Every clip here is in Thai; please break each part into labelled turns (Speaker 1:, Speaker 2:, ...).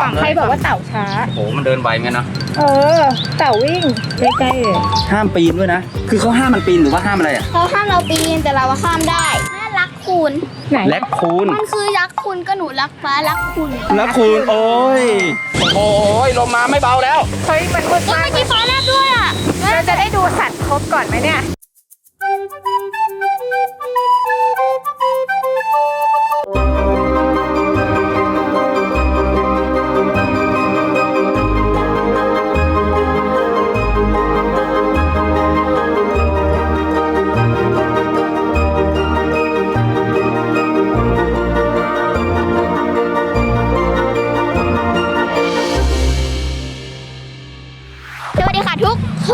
Speaker 1: ฝั่งใครบอกว่าเต่าช้า
Speaker 2: โอ้มันเดินไวเหมือนกันนะ
Speaker 1: เต่าวิ่งใกล้ๆเลย
Speaker 2: ห้ามปีนด้วยนะคือเขาห้ามมันปีนหรือว่าห้ามอะไรอ่ะ
Speaker 3: เขาห้ามเราปีนแต่เราข้ามได้แม่รักคุณ
Speaker 1: ไหน
Speaker 2: แลคคูน
Speaker 3: มันคือรักคุณก็หนูรักฟ้ารักคุณ
Speaker 2: แลคคูนโอ้ยโอ้ยลมมาไม่เบาแล้ว
Speaker 1: เฮ้ยมันมืด
Speaker 3: ก็
Speaker 1: มาก
Speaker 3: ไม่กี่ฟ้าแลบด้วยอ่ะ
Speaker 1: เราจะได้ดูสัตว์ครบก่อนไหมเนี่ย
Speaker 3: สวัสดีค่ะทุกคน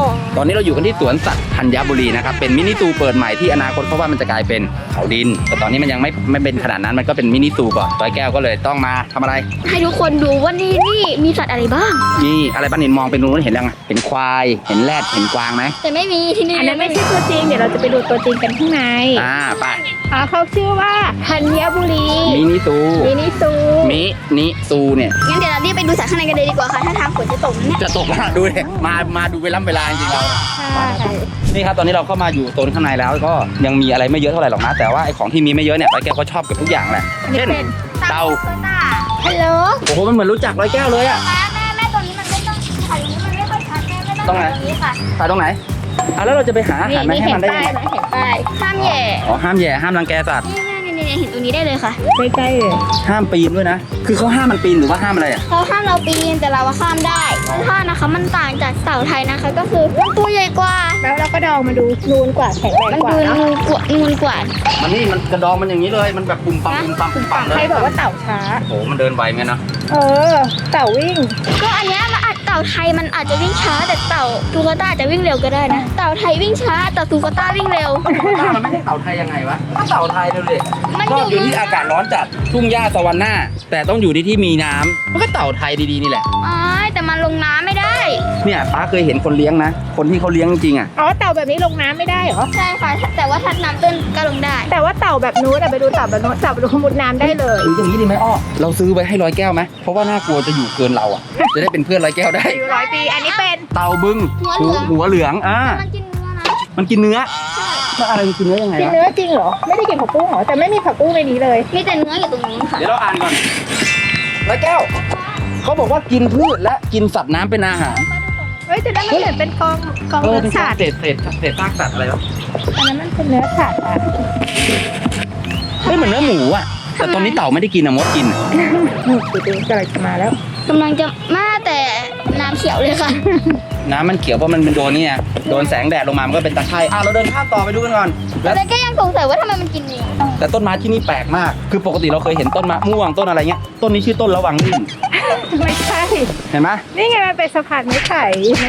Speaker 2: ตอนนี้เราอยู่กันที่สวนสัตว์ธัญบุรีนะครับเป็นมินิซูเปิดใหม่ที่อนาคตเพราะว่ามันจะกลายเป็นเขาดินแต่ตอนนี้มันยังไม่เป็นขนาดนั้นมันก็เป็นมินิซูก่อนร้อยแก้วก็เลยต้องมาทำอะไร
Speaker 3: ให้ทุกคนดูว่านี่มีสัตว์อะไรบ้าง
Speaker 2: นี่อะไรบ้านนินมองเป็นนู้นเห็นยังไงเห็นควายเห็นแรดเห็นกวางไหม
Speaker 3: แต่ไม่มีที่นี่
Speaker 1: อันนั้นไม่ใช่ตัวจริงเดี๋ยวเราจะไปดูตัวจริงกันข้างใน
Speaker 2: ไป
Speaker 1: เขาชื่อว่าธัญบุรี
Speaker 2: มินิซู
Speaker 1: มินิซู
Speaker 2: มินิซูเนี่ย
Speaker 3: งั้นเดี๋ยวเรารีบไปดูสัตว์ข้างในกันเลยดีกว่าค่ะถ้าทางฝนจะตกเนี่ย
Speaker 2: จะตกแล้วดูเลยมาดูเวลาจริงๆเรา
Speaker 1: ใช่
Speaker 2: นี่ครับตอนนี้เราเข้ามาอยู่โซนข้างในแล้วก็ยังมีอะไรไม่เยอะเท่าไหร่หรอกนะแต่ว่าไอ้ของที่มีไม่เยอะเนี่ยร้อยแก้วก็ชอบเกับทุกอย่างแหละเช่นเต่า
Speaker 1: ฮัลโหล
Speaker 2: โอ้โหมันเหมือนรู้จักร้อยแก้วเลยอะ
Speaker 3: แม่ตรงนี้มันไม่ต้องถ่ายตรงนี้มันไม่ค่อยชัดแม่ไม่ต้องถ่ายตรงนี้ค่ะ
Speaker 2: ถ่ายตรงไหนแล้วเราจะไปหาอาหารมาให้
Speaker 1: เห็
Speaker 2: มัน นได้
Speaker 1: ป้า
Speaker 2: ยัง
Speaker 1: ย
Speaker 2: ไง
Speaker 1: ไหมเห็นป้าย
Speaker 3: ห้ามแย่
Speaker 2: อ๋อห้ามแย่ห้ามรังแกสัตว์
Speaker 3: นี่เห็นตรงนี้ได้เลยค่ะ
Speaker 1: ใกล้ๆเลย
Speaker 2: ห้ามปีนด้วยนะคือเขาห้ามมันปีนหรือว่าห้ามอะไรอะ
Speaker 3: เขาห้ามเราปีนแต่เราข้ามได้ถ้านะคะมันต่างจากเต่าไทยนะคะ ก็คือมันตัวใหญ่กว่า
Speaker 1: แล้วเราก็ดองมาดูนูนกว่าแข็งแรง
Speaker 3: มัน
Speaker 1: กว่า
Speaker 3: ดู
Speaker 1: เนาะ
Speaker 3: นูนกว่า
Speaker 2: มันนี่มันกระดองมันอย่างนี้เลยมันแบบปุ่มปั๊มปุ่มปั๊มปุ่มปั๊มเล
Speaker 1: ใคร
Speaker 2: ย
Speaker 1: บอกว่าเต่าช้า
Speaker 2: โอ้มันเดินไวเหมือนกันนะ
Speaker 1: เต่าวิ่ง
Speaker 3: ก็อันเนี้ยมันอาจเต่าไทยมันอาจจะวิ่งช้าแต่เต่าตูกาต้าอาจจะวิ่งเร็วก็ได้นะเต่าไทยวิ่งช้าแต่ตูกาต้าวิ่งเร็ว
Speaker 2: มันไม่ใช่เต่าไทยยังไงวะก็เต่าไทยเลยดิ
Speaker 3: มัน
Speaker 2: ชอบ
Speaker 3: อ
Speaker 2: อยู่ ยู่ที่อากาศร้อนจัดทุ่งหญ้าสวรรค์หน้า แต่ต้องอยู่ที่มีน้ำมันก็เต่าไทยดีๆนี่แหละ
Speaker 3: อ๋อแต่มันลงน้ำไม่ได้
Speaker 2: เนี่ยป้าเคยเห็นคนเลี้ยงนะ คนที่เขาเลี้ยงจริงๆอ่ะ
Speaker 1: เต่าแบบนี้ลงน้ำไม่ได้เหรอ
Speaker 3: ใช่ค่ะแต่ว่าถ้าน้ำตื้นก็ลงได้
Speaker 1: แต่ว่าเต่าแบบนู้นไปดูเต่าแบบนู้นเต่าแบบนู้นมุดน้ำได้เลย
Speaker 2: หรืออย่างนี้ดีไหมอ้อเราซื้อไว้ให้ร้อยแก้วไหมเพราะว่าน่ากลัวจะอยู่เกินเราอ่ะ จะได้เป็นเพื่อนร้อยแก้วได้
Speaker 1: อายุ100 ปี อันนี้เป็น
Speaker 2: เต่าบึงหัวเหลืองมันกินเนื้อมันอะไรมันกินเนื้อยังไง
Speaker 1: กิน
Speaker 2: วะ
Speaker 1: เนื้อจริงเหรอ ไม่ได้กินผักบุ้งเหรอ แต่ไม่มีผักบุ้งในนี้เลย
Speaker 3: มีแต่เนื้ออยู่ตรงนู้นค่ะ
Speaker 2: เดี๋ยวเราอ่านก่อนร้อยแก้วเขาบอกว่ากินพืชและกินสัตว์น้ำเป็นอาหาร
Speaker 1: เฮ้ยแต่นั่นมันเหมือนเป็นกองเนื้อ
Speaker 2: เป็น
Speaker 1: สัตว์
Speaker 2: เศษซากสัตว์อะไรวะ
Speaker 1: อันนั้นมันเป็นเนื้อสัตว์อ่ะ
Speaker 2: ไม่เหมือนเนื้อหมูอ่ะแต่ตอนนี้เต่าไม่ได้กินอะมดกินอะ
Speaker 1: ดูดิกำลังจะมาแล้ว
Speaker 3: กำลังจะมาแต่น้ำเขียวเลยค่ะ
Speaker 2: น้ำมันเขียวเพราะมันเป็นโดนนี่ไงโดนแสงแดดลงมามันก็เป็นตะไคร่เราเดินข้ามต่อไปดูกันก่อนแล้ว
Speaker 3: แต่ก็ยังสงสัยว่าทำไมมันกินเนื้อ
Speaker 2: แต่ต้นไม้ที่นี่แปลกมาก คือปกติเราเคยเห็นต้นมะม่วงต้นอะไรเงี้ยต้นนี้ชื่อต้นระวังลื่น
Speaker 1: ไม่ใช่
Speaker 2: เห็นไหม
Speaker 1: นี่ไงมันเป็นสะพานไม้ไผ่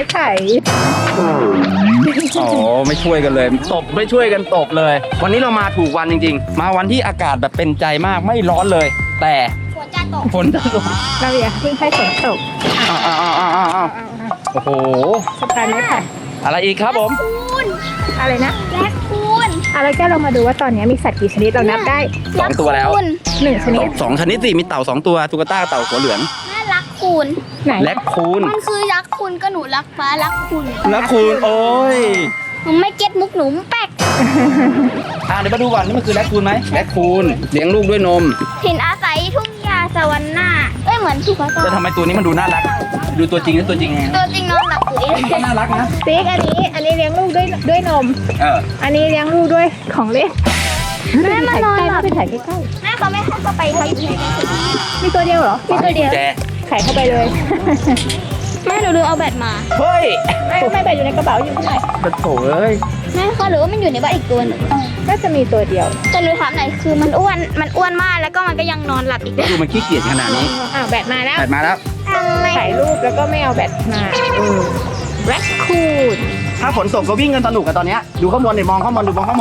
Speaker 2: อ๋อไม่ช่วยกันเลยตบไม่ช่วยกันตบเลย วันนี้เรามาถูกวันจริงๆ มาวันที่อากาศแบบเป็นใจมากไม่ร้อนเลย แต่
Speaker 3: ฝนจะตก
Speaker 2: ฝนจะตก
Speaker 1: เราอย่าเพิ่งให้ฝนตก
Speaker 2: อ้าวโอ้โห
Speaker 1: สะพานไม้ไผ่
Speaker 2: อะไรอีกครับผม
Speaker 3: คูณ
Speaker 1: อะไรนะ
Speaker 3: แรคคูน
Speaker 1: อะไรแกเรามาดูว่าตอนนี้มีสัตว์กี่ชนิดเรานับได้
Speaker 2: สองตัวแล้ว
Speaker 1: 1 ชนิด
Speaker 2: สองชนิดสิมีเต่า2ตัวตุ๊กตาเต่าหัวเหลือง
Speaker 3: แม่รักคูน
Speaker 1: ไหน
Speaker 2: แลคคูน
Speaker 3: มันคือรักคุณก็หนูรักฟ้ารักคุณ
Speaker 2: แลคคูนโอ้ย
Speaker 3: หนูไม่เก็ตมุกหนูแป๊ก
Speaker 2: เดี๋ยวมาดูก่อนนี่มันคือแลคคูนไหมแลคคูนเลี้ยงลูกด้วยนม
Speaker 3: ถิ่นอาศัยทุ่งหญ้าสวรรค์หน้าเหมือนสุขภา
Speaker 2: แต่
Speaker 3: พ
Speaker 2: ทำไมตัวนี้มันดูน่ารัก ดูตัวจริงแล้วตัวจริงไง
Speaker 3: ตัวจริงนอนหลับอยู่เอง
Speaker 2: ก็น่ารักนะ
Speaker 1: ติ๊กอันนี้เลี้ยงลูกด้วยนม อันนี้เลี้ยงลูกด้วยของเล่น
Speaker 3: แม่มานอนหลับ
Speaker 1: ไปถ่ายใกล้
Speaker 3: แม่เขาไม่ให้เข้าไปเขาอยู่ในนั้น
Speaker 1: ๆมีตัวเดียวเหรอ
Speaker 3: มีตัวเดียว
Speaker 2: แจ
Speaker 1: ไข่เข้าไปเลย
Speaker 3: แม่หนูลืมเอาแบตมา
Speaker 2: เฮ้ย
Speaker 1: ไม่ไปอยู่ในกระเป๋าอยู่ที่ไหน
Speaker 2: กระโถเอ้ย
Speaker 3: แม่คะหรือว่ามันอยู่ในบ้านอีกตัวหนึ่ง
Speaker 1: ก็จะมีตัวเดียว
Speaker 3: แต่หนูถามหน่อยคือมันอ้วนมากแล้วก็มันก็ยังนอนหลับอีกด้วย
Speaker 2: ดูมันขี้เกียจขนาดนี้
Speaker 1: แบตมาแล้ว
Speaker 2: ถัดมาแล้ว
Speaker 3: ทำไม
Speaker 1: ถ่ายรูปแล้วก็ไม่เอาแบตมาแร็คคูน
Speaker 2: ถ้าฝนตกก็วิ่งกันสนุกกันตอนเนี้ยดูข้างบนดิมองข้างบนดูมองข้างบน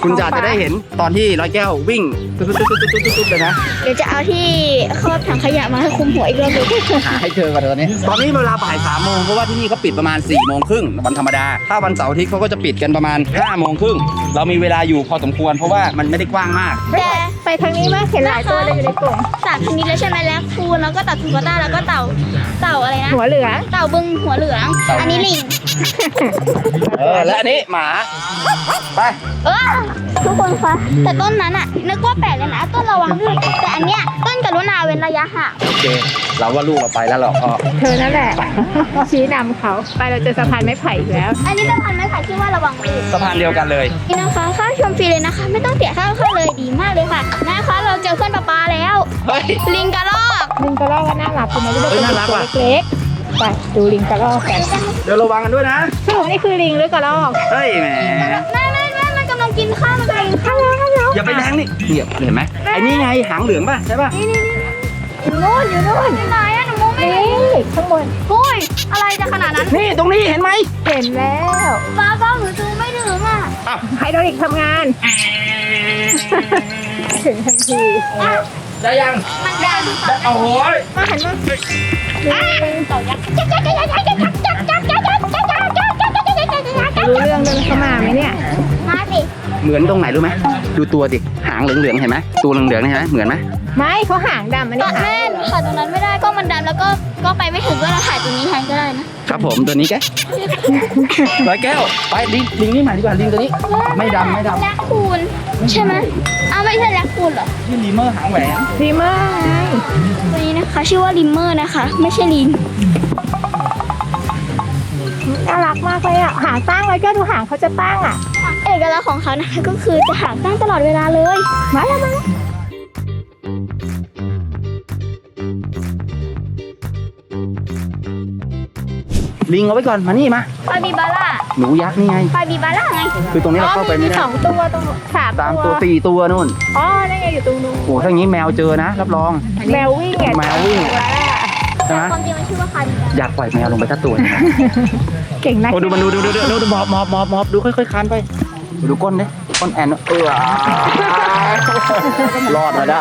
Speaker 2: คุณจะได้เห็นตอนที่ร้อยแก้ววิ่งตุ๊ดๆๆๆๆเลยนะ
Speaker 3: เดี๋ยวจะเอาที่ครอบถังขยะมาให้คุมหัวอีกรอบหนึง
Speaker 2: หาให้เจอกันตอนนี้เวลาบ่าย3 โมงเพราะว่าที่นี่เขาปิดประมาณ4 โมงครึ่งวันธรรมดาถ้าวันเสาร์อาทิตย์เขาก็จะปิดกันประมาณ5 โมงครึ่งเรามีเวลาอยู่พอสมควรเพราะว่ามันไม่ได้กว้างมาก
Speaker 3: แต่
Speaker 1: ไปทางนี้มั้ยเห็นหลายตัวเลยอยู่ในกลุ่ม
Speaker 3: สามชนิดเลยใช่ไหมแล้วคูนแล้วก็เต่าทูกาต้าแล้วก็เต่าอะไรนะ
Speaker 1: หัวเหลือง
Speaker 3: เต่าบึงหัวเหลือง อันนี้ลิง
Speaker 2: และอันนี้หมาไป
Speaker 3: ทุกคนคะแต่ต้นนั้นอะนึกว่าแปลกเลยนะต้นระวังด้วยแต่อันเนี้ยต้นกรุณาเว้นระยะห่าง
Speaker 2: โอเคเราว่าลูกเราไปแล้วหรอกพ่อ
Speaker 1: เธอนั่นแหละ ชี้นำเขาไปเราเจอสะพานไม้ไผ่อีกแล้ว
Speaker 3: อันนี้สะพานไม้ไผ่ชื่อว่าระวังลูก
Speaker 2: สะพานเดียวกันเลย
Speaker 3: นี่นะคะค่าชมฟรีเลยนะคะ ไม่ต้องเสียค่าเข้าเลยดีมากเลยค่ะนะคะเราเจอเพื่อนปลาแล้ว
Speaker 2: เฮ้ย
Speaker 3: ลิงกระรอก
Speaker 1: ลิงกระรอกก็น่ารักคุณมาดู
Speaker 2: เฮ้ยน่ารักว่ะ
Speaker 1: เล็กๆไปดูลิงกระรอกกัน
Speaker 2: เดี๋ยวระวังกันด้วยนะ
Speaker 1: สรุปนี่คือลิงหรือกระรอก
Speaker 2: เฮ้ยแหม
Speaker 3: ไม่มันกำลังกินข้าวมันกำลังกินข้าว
Speaker 2: อย่าไปแรงนี่เนี่ยเห็นไหมไอ้นี่ไงหางเหลืองป่ะใช่ป่ะ
Speaker 1: อยู่นู่นอยู่นู่น
Speaker 3: ที่ไหนอะหนูมองไม่
Speaker 1: นี่
Speaker 3: เห็น
Speaker 1: ข้างบน
Speaker 3: โอ้ยอะไรจะขนาดนั้น
Speaker 2: นี่ตรงนี้เห็นไหม
Speaker 1: เห็นแล้ว
Speaker 3: ฟ้าหนูดูไม่ถึงอะ
Speaker 2: อ้าว
Speaker 1: ไฮดรอลิกทำงาน ถึงทันที
Speaker 2: ได้ยัง
Speaker 3: มันได้ดูค่ะ
Speaker 2: โอ้โห
Speaker 1: มาหันมา
Speaker 3: ต่อยักษ์
Speaker 1: รู้เรื่องเดินเข้ามาไหมเนี่ย
Speaker 3: มาสิ
Speaker 2: เหมือนตรงไหนรู้ไหมดูตัวดิหางเหลืองๆเห็นไหมตัวเหลืองๆนี่เห็นไหมเหมือนไหม
Speaker 1: ไม่เขาหางดำอัน
Speaker 3: ต
Speaker 1: นี้
Speaker 3: อน
Speaker 1: หาง
Speaker 3: แม่
Speaker 1: เหลือง
Speaker 3: ถ่ายตรงนั้นไม่ได้ก็มันดำแล้วก็ไปไม่ถึงก็เราถ่ายตรงนี้แทนก็ได้นะครับ
Speaker 2: ผมตัวนี้แกร้อยแก้วไปลิงนี่มาดีกว่าลิงตัวนี้ ไม่ดำ
Speaker 3: แรคคูนใช่ไหมอ้าวไม่ใช่แรคคูนเหรอ
Speaker 2: ที่ลีเมอร์หางแหวน
Speaker 1: ดีมากไง
Speaker 3: ตัวนี้นะคะชื่อว่าลิมเมอร์นะคะ ไม่ใช่ลิง
Speaker 1: น่ารักมากเลยอ่ะหางตั้งเลยก็ดูหางเขาจะตั้งอ่ะ
Speaker 3: เอกลักษณ์ของเขานะคะก็คือจะหางตั้งตลอดเวลาเลย
Speaker 1: มาแล้วมาแล้ว
Speaker 2: ลิงเอาไว้ก่อนมานี่มา
Speaker 3: ปาบิบาร่า
Speaker 2: หนูยักษ์นี่ไง
Speaker 3: ปาบิบาร่าไง
Speaker 2: คือตรงนี้เราเข้าไปไม่
Speaker 1: มี
Speaker 2: ได้
Speaker 1: 2 ตัวตรง3
Speaker 2: 3
Speaker 1: ตั
Speaker 2: ตัว ว4 ตัวนู่น
Speaker 1: อ๋อนั่นไงอยู่ตรงนู้น
Speaker 2: โอ้ถ้าอย่างนี้แมวเจอนะรับรอง
Speaker 1: แมววิ่งไง
Speaker 2: แมววิ่ง
Speaker 1: ว้า
Speaker 2: ใช่ไหม
Speaker 3: ความจริงมันชื่อว่าคาบิบาร่า
Speaker 2: อยากปล่อยแมวลงไปสักตัวหนึ่งนะ
Speaker 1: เก่งนัก
Speaker 2: โอ้ดูมันดูมอบดูค่อยๆคานไปดูก้นดิก้นแอนรอดมาได้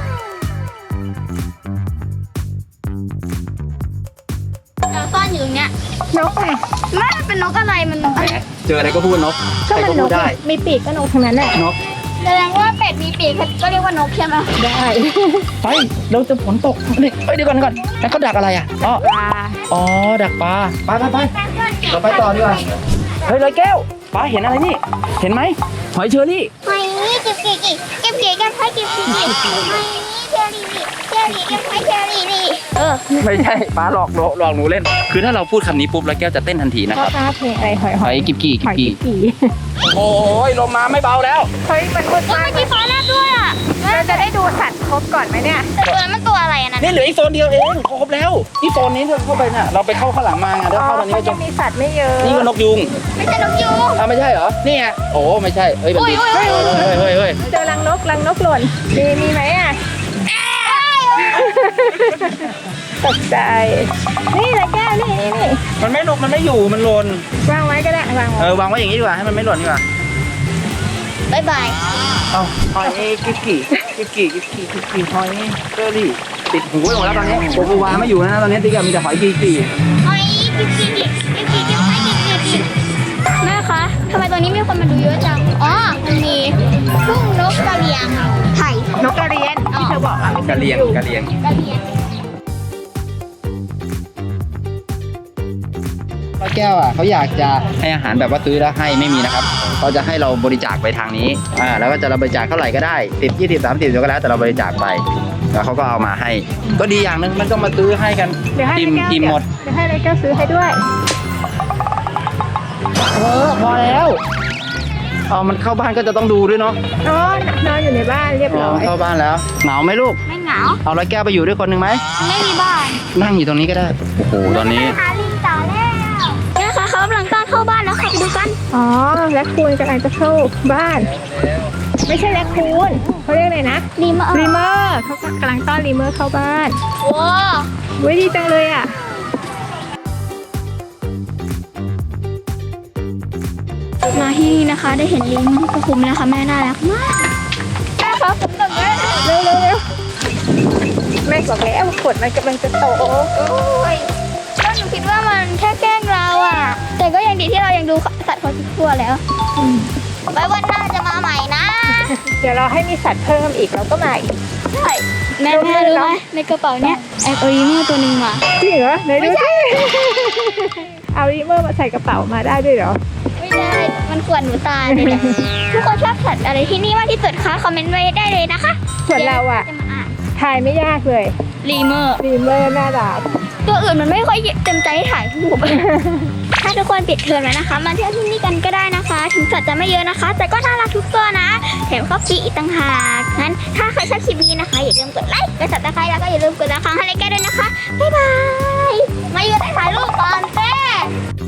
Speaker 3: เราซ่อนอยู่ตรงเนี้ย
Speaker 1: นกไง
Speaker 3: แม่มันเป็นนกอะไรมัน
Speaker 2: แหมเจออะไรก็พูดนก
Speaker 1: ก็
Speaker 2: ใคร
Speaker 1: มั
Speaker 2: ก็
Speaker 1: นน
Speaker 2: พู
Speaker 1: ก
Speaker 2: ดได้
Speaker 1: มีปีกก็นกทั้งนั้นแหละ
Speaker 2: นก
Speaker 3: แสดงว่าเป็ดมีปีกก็เรียกว่านกใช่ไหม
Speaker 1: ได้
Speaker 2: ไปเราจะฝนตกนี่เอ้ยเดี๋ยวก่อนแล้วเขาดักอะไรอ่ะอ๋อ
Speaker 1: ปลา
Speaker 2: อ๋อดักปลาไปเราไปต่อดีกว่าเฮ้ยร้อยแก้วปลาเห็นอะไรนี่เห็นไหมหอยเชอรี่
Speaker 3: หอยเก็บเก๋เก็บเก๋เก็บไผ่เก็บเก๋หอยเชอรี่เชอรี่เก็บไผ่เชอรี่นี่
Speaker 2: ไม่ใช่ปลาหลอกหนูเล่น คือถ้าเราพูดคำนี้ปุ๊บร้อยแก้วจะเต้นทันทีนะ
Speaker 1: ช
Speaker 2: ค
Speaker 1: อบ
Speaker 2: รับ
Speaker 1: หน้าเพลงอะไรหอย
Speaker 2: หอยกิบกี่
Speaker 1: หอยกี่กี่
Speaker 2: โอ้ยลมมาไม่เบาแล้ว
Speaker 1: เฮ้ยมันมืด
Speaker 3: เมื่
Speaker 1: มาก
Speaker 3: อกี้ฟ้าแลบด้วยอ่ะ
Speaker 1: เราจะได้ดูสัตว์ครบก่อนไหมเนี่ย
Speaker 3: แต่ตัวนั้นมันตัวอะไรอ่ะนั่น
Speaker 2: นี่เหลืออีกโซนเดียวเองครบแล้วนี่โซนนี้เราเข้าไปน่ะเราไปเข้าข้างหลังมาไงถ้าเข้าตอนนี้
Speaker 1: เขา
Speaker 2: ก็
Speaker 1: จะ
Speaker 2: จะ
Speaker 1: มีสัตว์ไม่เยอะ
Speaker 2: นี่ก็นกยุง
Speaker 3: ไม่ใช่นกยูง
Speaker 2: อ้าวไม่ใช่เหรอนี่ไงโอ้ไม่ใช่เฮ้ยแบบนี้
Speaker 3: โอ้ย
Speaker 2: เฮ้ย
Speaker 1: เจอรังนกหล่นมีไหมอ่ะตกใจนี่แหละแก้วนี่
Speaker 2: มันไม่หลุดมันไม่อยู่มันหล่น
Speaker 1: วางไว้ก็ได้วางไว้
Speaker 2: วางไว้อย่างนี้ดีกว่าให้มันไม่หล่นดีกว่า
Speaker 3: บายบาย
Speaker 2: เอาหอยกิบกี่หอยเชอรี่ติดหูไปหมดแล้วตอนนี้โกโกวาไม่อยู่นะตอนนี้ติ๊กมีแต่หอยกิบกี่
Speaker 3: หอยกิ๊บกิ๊บไผ่กิ๊บแม่คะทำไมตัวนี้มีคนมาดูเยอะจังอ๋อมันมีทุ่งนกกระเรียงไผ่
Speaker 1: นกกระเรียนที่เธอบอกอ่ะไม่
Speaker 2: ก
Speaker 1: ใช่
Speaker 2: ระเลียง
Speaker 1: นก
Speaker 2: กระเลียง
Speaker 3: กระเรียง
Speaker 2: ป้าแก้วอ่ะเขาอยากจะให้อาหารแบบว่าซื้อแล้วให้ไม่มีนะครับเขาจะให้เราบริจาคไปทางนี้แล้วก็จะเราบริจาคเท่าไหร่ก็ได้10 20 30เดี๋ยวก็แล้วแต่เราบริจาคไปแล้วเขาก็เอามาให้ ก็ดีอย่างนึงมันก็มาซื้อให้กัน
Speaker 1: เดี๋ยวให้
Speaker 2: อิ่มหมด
Speaker 1: เดี๋ยวให้เลยแก้วซื้อให้ด้วย
Speaker 2: พอแล้วมันเข้าบ้านก็จะต้องดูด้วยเนาะ
Speaker 1: อ๋อนอนอยู่ในบ้านเรียบร้อย
Speaker 2: เข้าบ้านแล้วเหงาไหมลูก
Speaker 3: ไม่เหงา
Speaker 2: เอาร้อยแก้วไปอยู่ด้วยคนหนึ่งไหม
Speaker 3: ไม่มีบ้าน
Speaker 2: นั่งอยู่ตรงนี้ก็ได้โอ้โหตอนนี้
Speaker 3: หาลิงต่อแล้วนะคะเขากำลังต้อนเข้าบ้านแล้วค่ะไปดูกัน
Speaker 1: อ๋อแรคคูนกำลังจะเข้าบ้าน ไม่ใช่แรคคูนเขาเรียกอะไรนะ
Speaker 3: รีเมอร์
Speaker 1: รีเมอร์เขากำลังต้อนรีเมอร์เข้าบ้าน
Speaker 3: ว้า
Speaker 1: เว้ยดีจังเลยอ่ะ
Speaker 3: มาฮิที่นี่นะคะ ได้เห็นลิงก็คุ้มแล้วค่ะแม่น่ารักมากแม่คะผมกับแม่
Speaker 1: เร็วแม่บอกแล้วขวดมันกำลังจะโต
Speaker 3: โอ้ยก็หนูคิดว่ามันแค่แกล้งเราอ่ะ แต่ก็ยังดีที่เรายังดูสัตว์เขาทุกตัวแล้วไว้วันหน้าจะมาใหม่นะ
Speaker 1: เดี๋ยวเราให้มีสัตว์เพิ่มอีกเราก็มาอีก
Speaker 3: ใช่แม่รู้ไหมในกระเป๋าเนี้ยแอบเอาอีเมลตัวหนึ่งมา
Speaker 1: จริงเหรอไหนดูสิเอาอีเมอร์มาใส่กระเป๋ามาได้ด้วยเหรอ
Speaker 3: ไม่ได้มันขวนหนูตายเลยเนี่ยทุกคนชอบสัตว์อะไรที่นี่มากที่สุดคะคอมเมนต์ไว้ได้เลยนะคะ
Speaker 1: ส่วนเราอะ
Speaker 3: จะมาอ่าน
Speaker 1: ถ่ายไม่ยากเลย
Speaker 3: ลีเมอร์
Speaker 1: รีเมอร์น่ารัก
Speaker 3: ตัวอื่นมันไม่ค่อยเต็มใจให้ถ่ายรูป ถ้าทุกคนปิดเทอมแล้วนะคะ มาเที่ยวที่นี่กันก็ได้นะคะ ถึงสัตว์จะไม่เยอะนะคะ แต่ก็น่ารักทุกตัวนะ แถมเขาฟรีอีกต่างหากงั้นถ้าใครชอบคลิปนี้นะคะ อย่าลืมกดไลค์ กดซับสไครต์แล้วก็อย่าลืมกดละครั้งให้รายการด้วยนะคะ บ๊ายบาย มาอยู่ได้ถ่ายรูปก่อนเต้